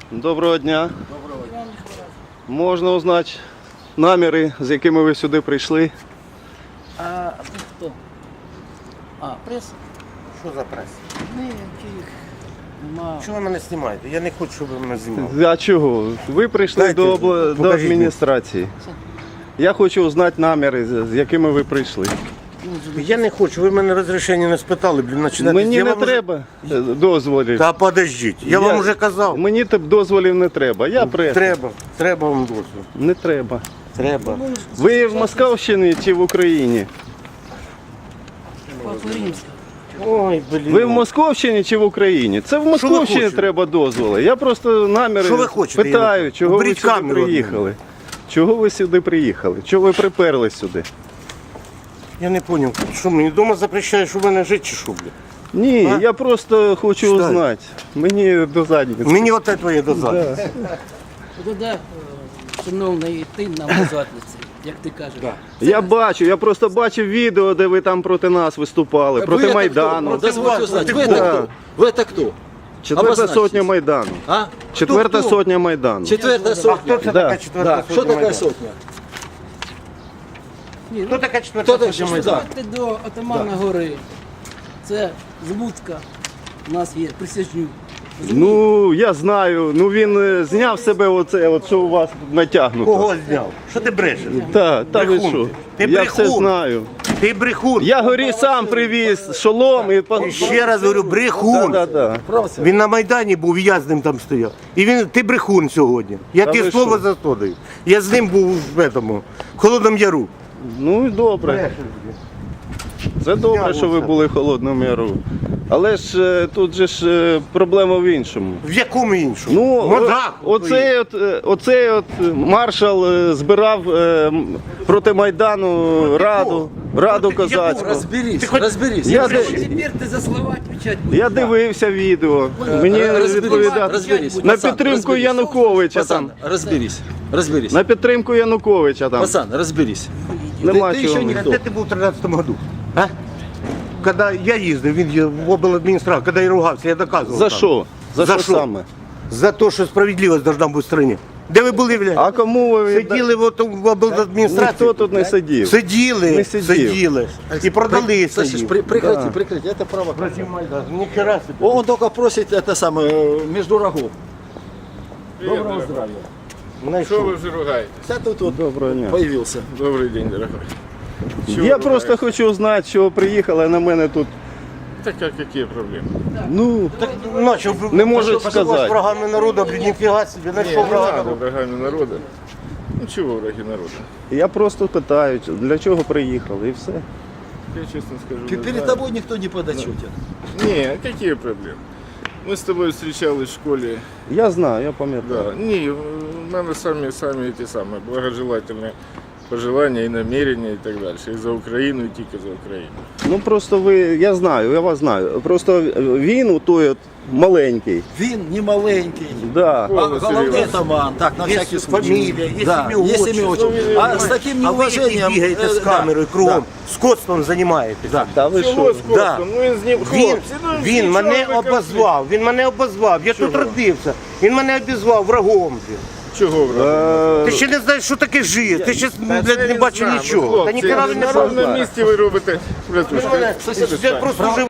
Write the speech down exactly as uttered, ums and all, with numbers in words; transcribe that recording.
Доброго дня. Доброго дня. Можна узнати наміри, з якими ви сюди прийшли? А ви хто? А, преса? Що за прес? Ніяких нема. Чого ви мене знімаєте? Я не хочу, щоб ви мене знімали. А чого? Ви прийшли Дайте, до, обла... до покажіть адміністрації. Я хочу узнати наміри, з з якими ви прийшли. Я не хочу, ви мене розрішення не спитали, блін, починати. Мені я не вам уже- треба е, дозволів. Та подождіть, я, вам вже казав. Мені тип дозволів не треба. Я преса. Треба, треба вам дозвіл. Не треба. Треба. Ви в Московщині чи в Україні? Папа Римська. Ой, блін. Ви в Московщині чи в Україні? Це в ви Московщині хочете? треба дозволи. Я просто наміри Що ви хочете, питаю, Ігор? чого ви Уберіть сюди камеру від приїхали. Чого ви сюди приїхали? Чого ви приперли сюди? Я не зрозумів, що мені вдома запрещаєш у мене жити чи що, блін? Ні, А? я просто хочу Читай. узнати. Мені до задниці. Мені оте твоє дозад. Туди, е, шановний, йти нам до задниці, як ти кажеш. Я бачу, я просто бачив відео, де ви там проти нас виступали, проти Майдану. Дозвольте узнать, вы Кто? это кто? Вы это кто? Четверта Обозначтесь. сотня Майдану. А? Четверта хто? сотня Майдану. Четвертая А хто сотня. це Да. така четверта Да. сотня? Что такая Майдану? сотня? Ні, Хто ну, така четверта Хто сотня таке? Майдану? ходьте до Отамана гори. Це Збудка. У нас є присяжнюк. Ну, я знаю, ну він е, зняв себе оце, от, що у вас натягнуто. Кого зняв? Що ти брешеш? Та, та ви Брехун що? ти. Ти Я брехун. все знаю. Ти брехун. Я горі сам привіз шолом і по- І ще раз говорю, брехун. Да, да, да. Він на Майдані був, я з ним там стояв. І він, ти брехун сьогодні. Я Та тобі ви слово що? за то даю. Я з ним був в этому, в Холодному Яру. Ну і добре. Це добре, що ви були в Холодному Яру. Але ж е, тут же ж е, проблема в іншому. В якому іншому? Ну, Мозгах о- оцей от, е, оцей от маршал е, збирав е, м, проти Майдану раду, раду Проти якого? козацьку. Разберись, Ты хоть- разберись. Я, Тепер ди- ти за слова відповідати будеш. я дивився відео. Мені Разберись, відповідати. разберись. На Пацан, підтримку разберись. Януковича Пацан, там. разберись, разберись. На підтримку Януковича там. Пацан, разберись. Нема ти чого. ще А ніхто. де ти був у тринадцятому году? А? Коли я їздив, він є в обладміністрацію, коли я ругався, я доказував. За там. що? За, За що що? саме? За те, що справедливість должна бути в країні. Де ви були, блядь? А кому ви відда- Сиділи в, оту- в обладміністрації? Ніхто тут не сидів. Сиділи, Не сидів. сиділи. І продали Слышишь, сидів. при- прекрати, прекрати, это право. Ніхера собі. Он только просит это самое, э, между рогов. Доброго здравия. Что Знайшов. вы уже ругаетесь? Я тут вот Доброго дня. появился. Добрый день, дорогой. Чего Я вы просто ругаетесь? хочу знати, що приїхали на мене тут. Так а какие проблемы? Ну, Начав, Не можуть пошел сказати. з врагами народу, блін, ніфіга собі, Не, знайшов не врага надо народу. врагами народа. Ну чего враги народа? я просто питаю, для чого приїхали і все. Я честно скажу, не Перед знаю. тобой никто не подотчетен. Не, какие проблемы? Мы с тобой встречались в школе. Я знаю, я пам'ятаю. Да. Не, у мене сами, сами эти самые благожелательные пожелания и намерения и так дальше. И за Украину, и тільки за Украину. Ну просто ви, я знаю, я вас знаю. Просто він у той от маленький. Він не маленький. Да. О, А, Василий головний Иванович. атаман, так, на Є всякий случай. фамілія, є Да, ім'я, есть отчество. имя, отчество. А с таким А ви які неуважением... бігаєте э, з да, камерою кругом, да. скотством займаєтесь. Та ви Чого що? з Костом? Ну він з ним Він, хлопці. ну, він нічого мене ви кажете. обозвав, він мене обозвав, я тут родився, він мене обізвав врагом. блін. Чого врагом? Е, Ти ще не знаєш, що таке життя, ти ще Та блядь, це не він бачив знає, нічого. хлопці, Та ніхера ви він не на знає. ровному місці ви робите. Братушка, Я просто вже